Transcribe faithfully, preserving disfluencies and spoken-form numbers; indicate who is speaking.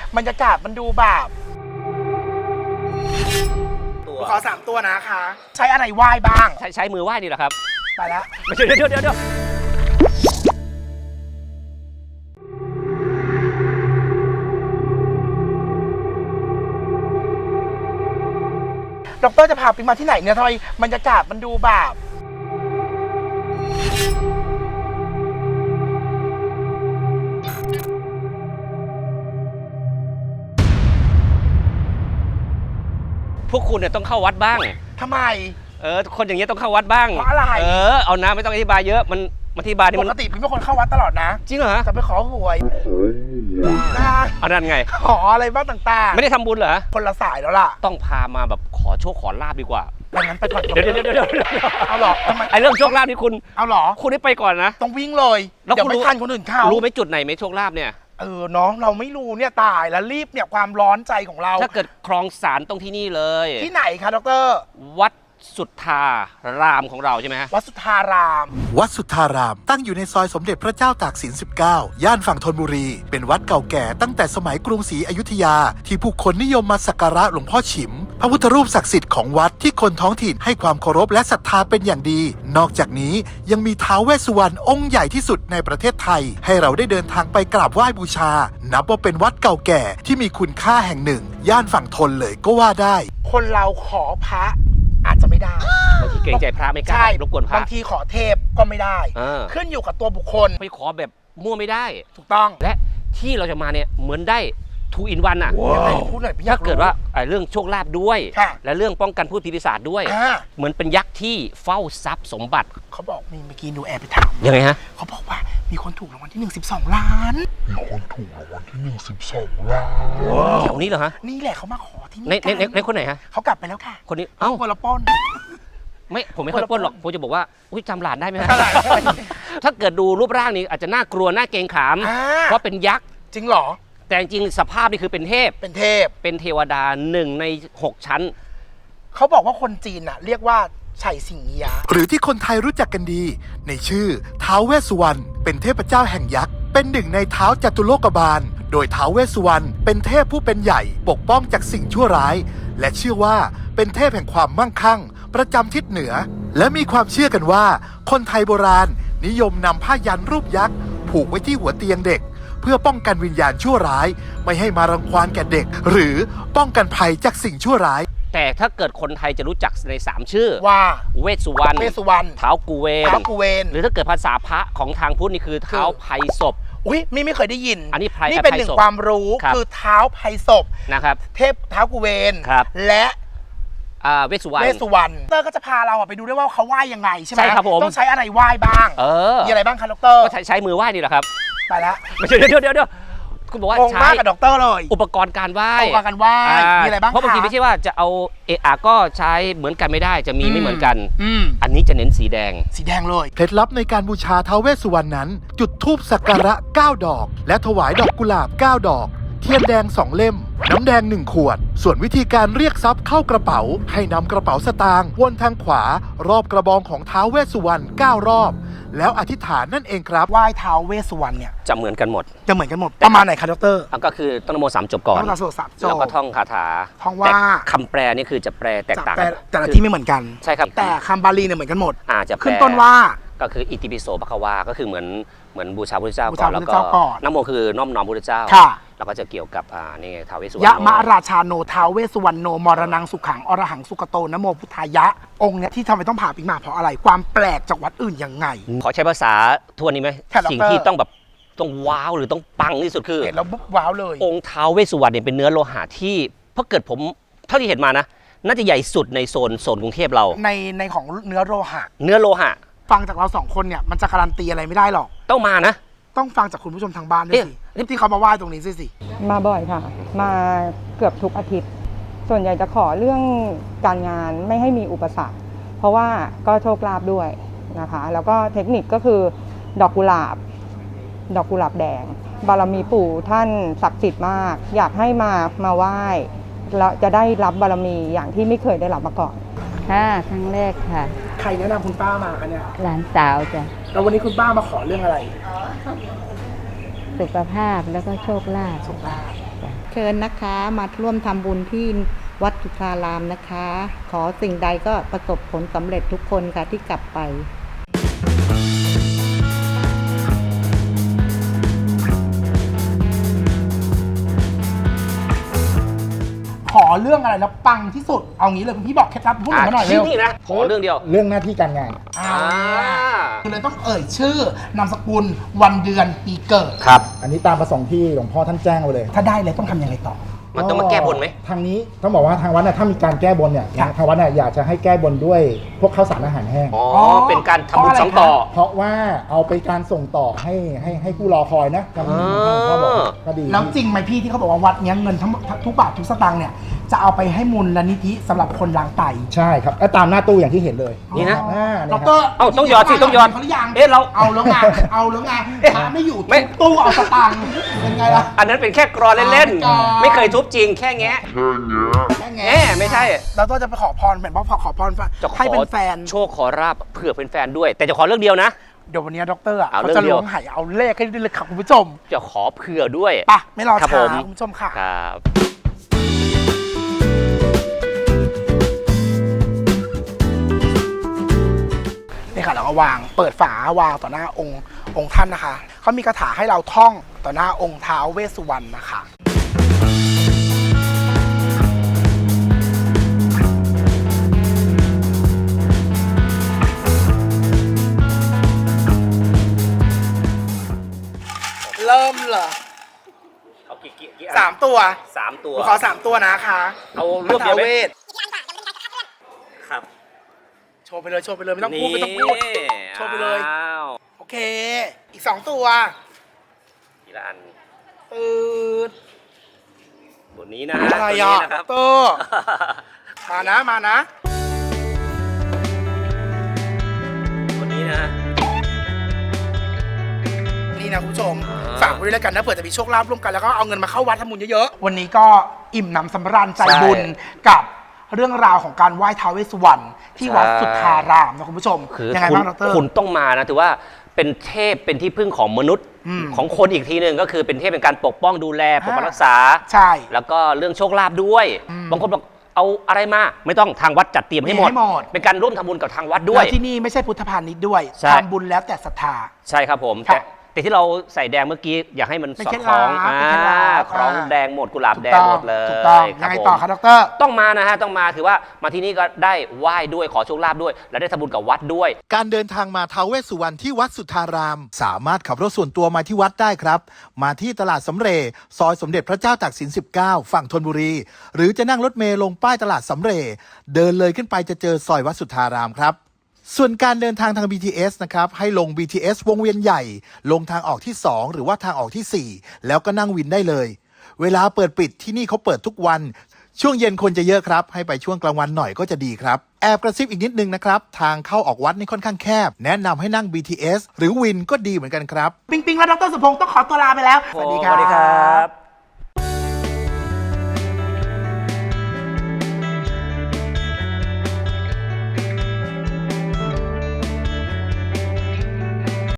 Speaker 1: บรรยากาศมันดูแบบขอสามตัวนะคะใช้อะไรไหว้บ้าง
Speaker 2: ใช้ใช้มือไหว้นี่แหละครับ
Speaker 1: ไปแล้ว
Speaker 2: เดี๋ยวเดี๋ยวเดี๋ยวเดี๋ยว
Speaker 1: ดร.จะพาปิ๊งมาที่ไหนเนี่ยทำไมบรรยากาศมันดูแบบ
Speaker 2: พวกคุณเนี่ยต้องเข้าวัดบ้าง
Speaker 1: ทำไม
Speaker 2: เออคนอย่างเงี้ยต้องเข้าวัดบ้าง
Speaker 1: เพราะอะไร
Speaker 2: เออเอานะไม่ต้องอธิบายเยอะมันอธิบายนี่มัน
Speaker 1: ปกติปิ๊งเป็นคนเข้าวัดตลอดนะ
Speaker 2: จริงเหรอ
Speaker 1: จะไปขอหวย
Speaker 2: เอานั่นไง
Speaker 1: ขออะไรบ้างต่างๆ
Speaker 2: ไม่ได้ทำบุญเหรอ
Speaker 1: คนละสายแล้วล่ะ
Speaker 2: ต้องพามาแบบขอโชคขอลาบดีกว่า
Speaker 1: ไปงั้นไปก่อน
Speaker 2: เดี๋ยวเดี๋ยวเดี๋ยว
Speaker 1: เอาหรอทำไม
Speaker 2: ไอเรื่องโชคลาภนี่คุณ
Speaker 1: เอาหรอ
Speaker 2: คุณได้ไปก่อนนะ
Speaker 1: ต้องวิ่งเลยเดี๋ยวไม่ทันคนอื่นเข้า
Speaker 2: รู้ไหมจุดไหนไหมโชคลาภเนี่ย
Speaker 1: เออเนาะเราไม่รู้เนี่ยตายแล้วรีบเนี่ยความร้อนใจของเรา
Speaker 2: ถ้าเกิดคลองสารตรงที่นี่เลย
Speaker 1: ที่ไหนคะดร.
Speaker 2: วัดสุทธารามของเราใช่ไหมฮะ
Speaker 1: วัดสุทธาราม
Speaker 3: วัดสุทธารามตั้งอยู่ในซอยสมเด็จพระเจ้าตากสินสิบเก้าย่านฝั่งธนบุรีเป็นวัดเก่าแก่ตั้งแต่สมัยกรุงศรีอยุธยาที่ผู้คนนิยมมาสักการะหลวงพ่อฉิมพระพุทธรูปศักดิ์สิทธิ์ของวัดที่คนท้องถิ่นให้ความเคารพและศรัทธาเป็นอย่างดีนอกจากนี้ยังมีท้าวเวสสุวรรณองค์ใหญ่ที่สุดในประเทศไทยให้เราได้เดินทางไปกราบไหว้บูชานับว่าเป็นวัดเก่าแก่ที่มีคุณค่าแห่งหนึ่งย่านฝั่งธนเลยก็ว่าได้
Speaker 1: คนเราขอพระอาจจะไม่ได้
Speaker 2: บางทีเกรงใจพระไม่กล้ารบกวนพระ
Speaker 1: บางทีขอเทพก็ไม่ได้ขึ้นอยู่กับตัวบุคคล
Speaker 2: ไปขอแบบมั่วไม่ได้
Speaker 1: ถูกต้อง
Speaker 2: และที่เราจะมาเนี่ยเหมือนได้ทูอินวันอ่ะถ้าเกิดว่าเรื่องโชคลาภด้วยและเรื่องป้องกันพูดผีปีศาจด้วยเหมือนเป็นยักษ์ที่เฝ้าทรัพย์สมบัติ
Speaker 1: เขาบอกมีเมื่อกี้ดูแอบไปถาม
Speaker 2: ยังไงฮะ
Speaker 1: เขาบอกว่ามีคนถูกรางวัลที่หนึ่งสิบสองล้าน
Speaker 3: มีคนถูกรางวัลที่หนึ่งสิบสองล้าน
Speaker 2: แถวนี้เหรอฮะ
Speaker 1: นี่แหละเขามาขอที่นี่
Speaker 2: ในในในคนไหนฮะ
Speaker 1: เขากลับไปแล้วค่ะ
Speaker 2: คนนี้เอ้า
Speaker 1: คนละป้น
Speaker 2: ไม่ผมไม่ค่อยป้นหรอกผมจะบอกว่าอุ้ยจำหลานได้ไหมฮะถ้าเกิดดูรูปร่างนี้อาจจะน่ากลัวน่าเกรงขามเพราะเป็นยักษ์
Speaker 1: จริงเหรอ
Speaker 2: แต่จริงสภาพนี่คือเป็นเทพ
Speaker 1: เป็นเทพ
Speaker 2: เป็นเทวดาหนึ่งในหกชั้น
Speaker 1: เขาบอกว่าคนจีนน่ะเรียกว่าไฉสิงเอี๊ยะ
Speaker 3: หรือที่คนไทยรู้จักกันดีในชื่อท้าวเวสสุวรรณเป็นเทพเจ้าแห่งยักษ์เป็นหนึ่งในท้าวจตุโลกบาลโดยท้าวเวสสุวรรณเป็นเทพผู้เป็นใหญ่ปกป้องจากสิ่งชั่วร้ายและเชื่อว่าเป็นเทพแห่งความมั่งคั่งประจำทิศเหนือและมีความเชื่อกันว่าคนไทยโบราณนิยมนำผ้ายันรูปยักษ์ผูกไว้ที่หัวเตียงเด็กเพื่อป้องกันวิญญาณชั่วร้ายไม่ให้มารังควานแก่เด็กหรือป้องกันภัยจากสิ่งชั่วร้าย
Speaker 2: แต่ถ้าเกิดคนไทยจะรู้จักในสามชื่อ
Speaker 1: ว่า
Speaker 2: เวสสุวรรณ
Speaker 1: เวสสุวรรณ
Speaker 2: ท้าวกุเวน
Speaker 1: ท้าวกุเวน
Speaker 2: หรือถ้าเกิดภาษาพระของทางพุทธนี่คือท้าวไพศพ
Speaker 1: อุ้ยไม่ไม่เคยได้ยิน
Speaker 2: อันนี้
Speaker 1: นี่เป็นหนึ่งความรู้คือเท้าไพศพ
Speaker 2: นะครับ
Speaker 1: เทพเท้ากุเวนและ
Speaker 2: เวสสุวรรณ
Speaker 1: เวสสุวรรณดร.ก็จะพาเราไปดูด้วยว่าเขาไหว้ยังไงใช่ไหม
Speaker 2: ใช่ครับผม
Speaker 1: ต้องใช้อะไรไหว้บ้าง
Speaker 2: เออ
Speaker 1: มีอะไรบ้างคะดร.
Speaker 2: ก็ใช้ใช้มือไหว้นี่แหละครับ
Speaker 1: ไปแล้ว
Speaker 2: ไม่ใช่เดี๋ยวเดี๋ยวเดี๋ยวคุณบอกว่า
Speaker 1: ใช้กับดร.เลย
Speaker 2: อุปกรณ์การไหว้
Speaker 1: อุปกรณ์การไหว้มีอะไรบ้าง
Speaker 2: เพราะบางทีไม่ใช่ว่าจะเอาเอะอะก็ใช้เหมือนกันไม่ได้จะมีไม่เหมือนกันอันนี้จะเน้นสีแดง
Speaker 1: สีแดงเลย
Speaker 3: เคล็ดลับในการบูชาท้าวเวสสุวรรณนั้นจุดธูปสักการะเก้าดอกและถวายดอกกุหลาบเก้าดอกเทียนแดงสองเล่มน้ำแดงหนึ่งขวดส่วนวิธีการเรียกทรัพย์เข้ากระเป๋าให้นำกระเป๋าสตางค์วนทางขวารอบกระบองของท้าวเวสสุวรรณเก้ารอบแล้วอธิษฐานนั่นเองครับ
Speaker 1: ไหว้ท้าวเวสสุวรรณเนี่ย
Speaker 2: จะเหมือนกันหมด
Speaker 1: จะเหมือนกันหมดประมาณไหนคะดร.
Speaker 2: ก็คือต้องนโมสามจบก่อน
Speaker 1: ต้องนโมสามจบ
Speaker 2: แล้วก็ท่องคาถา
Speaker 1: ท่องว่า
Speaker 2: คำแปลนี่คือจะแปลแตกต่าง
Speaker 1: แต่ละที่ไม่เหมือนกัน
Speaker 2: ใช่ครับ
Speaker 1: แต่คำบาลีเนี่ยเหมือนกันหมด
Speaker 2: อาจจะ
Speaker 1: ขึ้นต้นว่า
Speaker 2: ก็คืออิติปิโสภควาก็คือเหมือนเหมือนบูชาพระเจ้าก่อนแล้วก็นโมคือน้อมน้อมพระเจ้าแล้วก็จะเกี่ยวกับอ่านี่ท้าวเวสสุวรรณ
Speaker 1: ยะมะราชาโนท้าวเวสสุวรรณโนมรณังสุขังอรหังสุกโตนโมพุทธายะองค์เนี้ยที่ทำไมต้องผ่าปิ๊กมาเพราะอะไรความแปลกจากวัดอื่นยังไง
Speaker 2: ขอใช้ภาษาทวนนี้ไหมสิ่งที่ต้องแบบต้องว้าวหรือต้องปังที่สุดคือ
Speaker 1: เห็นแล้วปุ๊บว้าวเลย
Speaker 2: องค์ท้าวเวสสุวรรณเนี่ยเป็นเนื้อโลหะที่เพราะเกิดผมเท่าที่เห็นมานะน่าจะใหญ่สุดในโซนโซนกรุงเทพเรา
Speaker 1: ในในของเนื้อโลหะ
Speaker 2: เนื้อโลหะ
Speaker 1: ฟังจากเราสองคนเนี่ยมันจะการันตีอะไรไม่ได้หรอก
Speaker 2: ต้องมานะ
Speaker 1: ต้องฟังจากคุณผู้ชมทางบ้านด้วยสิที่เขามาไหว้ตรงนี้สิสิ
Speaker 4: มาบ่อยค่ะมาเกือบทุกอาทิตย์ส่วนใหญ่จะขอเรื่องการงานไม่ให้มีอุปสรรคเพราะว่าก็โชคลาภด้วยนะคะแล้วก็เทคนิคก็คือดอกกุหลาบดอกกุหลาบแดงบารมีปู่ท่านศักดิ์สิทธิ์มากอยากให้มามาไหว้แล้วจะได้รับบารมีอย่างที่ไม่เคยได้รับมาก่อน
Speaker 5: ค่ะครั้งแรกค่ะ
Speaker 1: ใครแนะนำคุณป้ามาคะเนี่ย
Speaker 5: หลานสาวจ้ะ
Speaker 1: แล้ววันนี้คุณป้ามาขอเรื่องอะไร
Speaker 5: สุขภาพแล้วก็โชคลาภ
Speaker 1: โชคลาภเค
Speaker 6: ชิญนะคะ มาร่วมทำบุญที่วัดสุทธารามนะคะ ขอสิ่งใดก็ประสบผลสำเร็จทุกคนค่ะที่กลับไป
Speaker 1: ขอเรื่องอะไรแล้วปังที่สุดเอางี้เลยคุณพี่บอกเคล็ดลับพูดหน่อยมาหน่อยเร็ว
Speaker 2: ที่นี่นะขอเรื่องเดียว
Speaker 7: เรื่องหน้าที่การงาน
Speaker 1: อ่าคือเลยต้องเอ่ยชื่อนามสกุลวันเดือนปีเกิด
Speaker 2: ครับ
Speaker 7: อันนี้ตามประสงค์ที่หลวงพ่อท่านแจ้งไว้เลย
Speaker 1: ถ้าได้เลยต้องทำยังไงต่อ
Speaker 2: มันต้องมาแก้บนไหม
Speaker 7: ทางนี้ต้องบอกว่าทางวัดเนี่ยถ้ามีการแก้บนเนี่ย
Speaker 1: ครับ
Speaker 7: ทางวัดเนี่ยอยากจะให้แก้บนด้วยพวกข้าวสารอาหารแห้ง
Speaker 2: อ๋อ เป็นการทำบุญสองต่อ
Speaker 7: เพราะว่าเอาไปการส่งต่อให้ให้ให้ผู้รอคอยนะทาง
Speaker 2: อ่า
Speaker 7: พ่อบอกก็ดี
Speaker 1: แล้วจริงไหมพี่ที่เขาบอกว่าวัดเนี้ยเงินทั้งหมดทุกบาททุกสตางค์เนี่ยจะเอาไปให้มูลนิธิสำหรับคนล้างไต
Speaker 7: ใช่ครับแล้วตามหน้าตู้อย่างที่เห็นเลย
Speaker 2: นี่นะ
Speaker 7: อ่า
Speaker 1: ด
Speaker 7: เนี่ย
Speaker 1: ร
Speaker 7: ครับ
Speaker 2: เอ้าต้องหยอดสิต้องหยอด
Speaker 1: เขาหรือยัง
Speaker 2: เอ๊ะเรา
Speaker 1: เอาแล้วไงเอาแล้วไงพระไม่อยู่
Speaker 2: ไม่
Speaker 1: ทุบตู้เอาสตางค์เป็นไงล่ะ
Speaker 2: อันนั้นเป็นแค่กรอนเล่น
Speaker 1: อ๋อ
Speaker 2: ๆ ไม่เคยทุบจริงแค่แงะ
Speaker 1: แค่
Speaker 2: แห
Speaker 1: แง่
Speaker 2: มไม่ใช่
Speaker 1: เราต้องจะไปขอพรเหมือนพ่อขอพร
Speaker 2: จะขอ
Speaker 1: ให้เป็นแฟน
Speaker 2: โชคขอราบเผื่อเป็นแฟนด้วย แต่จะขอเรื่องเดียวนะ
Speaker 1: เดี๋ยววันนี้ด็อกเตอร์อ่ะ
Speaker 2: เอา
Speaker 1: เขา
Speaker 2: เรื่
Speaker 1: จะ
Speaker 2: องเดียว
Speaker 1: ล้วงไหเอาเลขให้ด้วยเลยค่ะคุณผู้ชม
Speaker 2: จะขอเผื่อด้วย
Speaker 1: ไปะไม่รอ
Speaker 2: ครับ
Speaker 1: ช้า
Speaker 2: ผม
Speaker 1: คุณผู้ชมค่ะ
Speaker 2: ครับ
Speaker 1: นี่ค่ะเราก็วางเปิดฝาวางต่อหน้าองค์องค์ท่านนะคะเขามีคาถาให้เราท่องต่อหน้าองค์ท้าวเวสสุวรรณนะคะเริ่มเหรอ
Speaker 2: เอากี่กี่กี่
Speaker 1: สามตัว
Speaker 2: สามตัว
Speaker 1: หนูขอสามตัวนะคะ
Speaker 2: เอารวบเดียวไหม
Speaker 1: ท้าเวส
Speaker 2: ครับ
Speaker 1: โชว์ไปเลยโชว์ไปเลยไม่ต้องพูดไม่ต้องพูด โชว์ไปเลย
Speaker 2: อ้าว
Speaker 1: โอเค อีกสองตัว
Speaker 2: ทีละอัน
Speaker 1: ตืด
Speaker 2: ตัวนี้นะ
Speaker 1: อะไร
Speaker 2: ตัว
Speaker 1: อ่ะ
Speaker 2: นี้นะครับ
Speaker 1: เตอร์มานะมานะ
Speaker 2: ตัวนี้นะ
Speaker 1: นี่นะคุณผู้ชม
Speaker 2: อ่า
Speaker 1: ฝากไว้ด้วยแล้วกันนะเผื่อจะมีโชคลาภร่วมกันแล้วก็เอาเงินมาเข้าวัดทำบุญเยอะๆ วันนี้ก็อิ่มหนำสำราญใจบุญกับเรื่องราวของการไหว้ท้าวเวสสุวรรณที่วัดสุทธารามนะคุณผู้ชม
Speaker 2: คือ
Speaker 1: ยังไง
Speaker 2: คุณ
Speaker 1: บ้างดร
Speaker 2: คุณต้องมานะถือว่าเป็นเทพเป็นที่พึ่งของมนุษย์
Speaker 1: อืม
Speaker 2: ของคนอีกทีหนึ่งก็คือเป็นเทพเป็นการปกป้องดูแลปกปักรักษา
Speaker 1: ใช่
Speaker 2: แล้วก็เรื่องโชคลาภด้วย
Speaker 1: อืม
Speaker 2: บางคนบอกเอาอะไรมาไม่ต้องทางวัดจัดเตรียมให้หมด
Speaker 1: มีให้หมด
Speaker 2: เป็นการร่วมทำบุญกับทางวัดด้วย
Speaker 1: แล้วที่นี่ไม่ใช่พุทธพาณิชย์ด้วย
Speaker 2: ใช่
Speaker 1: ทำบุญแล้วแต่ศรัทธา
Speaker 2: ใช่ครับผม
Speaker 1: ครั
Speaker 2: แต่
Speaker 1: บ
Speaker 2: แต่ที่เราใส่แดงเมื่อกี้อยากให้มัน
Speaker 1: เป็น
Speaker 2: สอด
Speaker 1: เคล็ด
Speaker 2: คล้อง
Speaker 1: ลับเป็นเคล็ดลับ
Speaker 2: คล้อง
Speaker 1: อ่า
Speaker 2: แดงหมดกุหลาบ
Speaker 1: ถูก
Speaker 2: แดง
Speaker 1: ต้อง
Speaker 2: หมดเลย
Speaker 1: ถูกต้อง
Speaker 2: ค
Speaker 1: ยั
Speaker 2: รับ
Speaker 1: งไง
Speaker 2: ผม
Speaker 1: ต่อครับดร
Speaker 2: ต้องมานะฮะต้องมาถือว่ามาที่นี่ก็ได้ไหว้ด้วยขอโชคลาภด้วย และได้ทำบุญกับวัดด้วย
Speaker 3: การเดินทางมาท้าวเวสสุวรรณที่วัดสุทธาราม สามารถขับรถส่วนตัวมาที่วัดได้ครับ มาที่ตลาดสำเรย์ซอยสมเด็จพระเจ้าตากสิน สิบเก้า ฝั่งธนบุรี หรือจะนั่งรถเมล์ลงป้ายตลาดสำเรย์เดินเลยขึ้นไปจะเจอซอยวัดสุทธารามครับ ส่วนการเดินทางทาง บี ที เอส นะครับ ให้ลง บี ที เอส วงเวียนใหญ่ ลงทางออกที่ สอง หรือว่าทางออกที่ สี่ แล้วก็นั่งวินได้เลย เวลาเปิดปิดที่นี่เขาเปิดทุกวัน ช่วงเย็นคนจะเยอะครับ ให้ไปช่วงกลางวันหน่อยก็จะดีครับ แอบกระซิบอีกนิดนึงนะครับ ทางเข้าออกวัดนี่ค่อนข้างแคบ แนะนำให้นั่ง บี ที เอส หรือวินก็ดีเหมือนกันครับ
Speaker 1: ปิงปิงและดรสุพงศ์ต้องขอตัวลาไปแล้ว
Speaker 2: สวัสดีครับ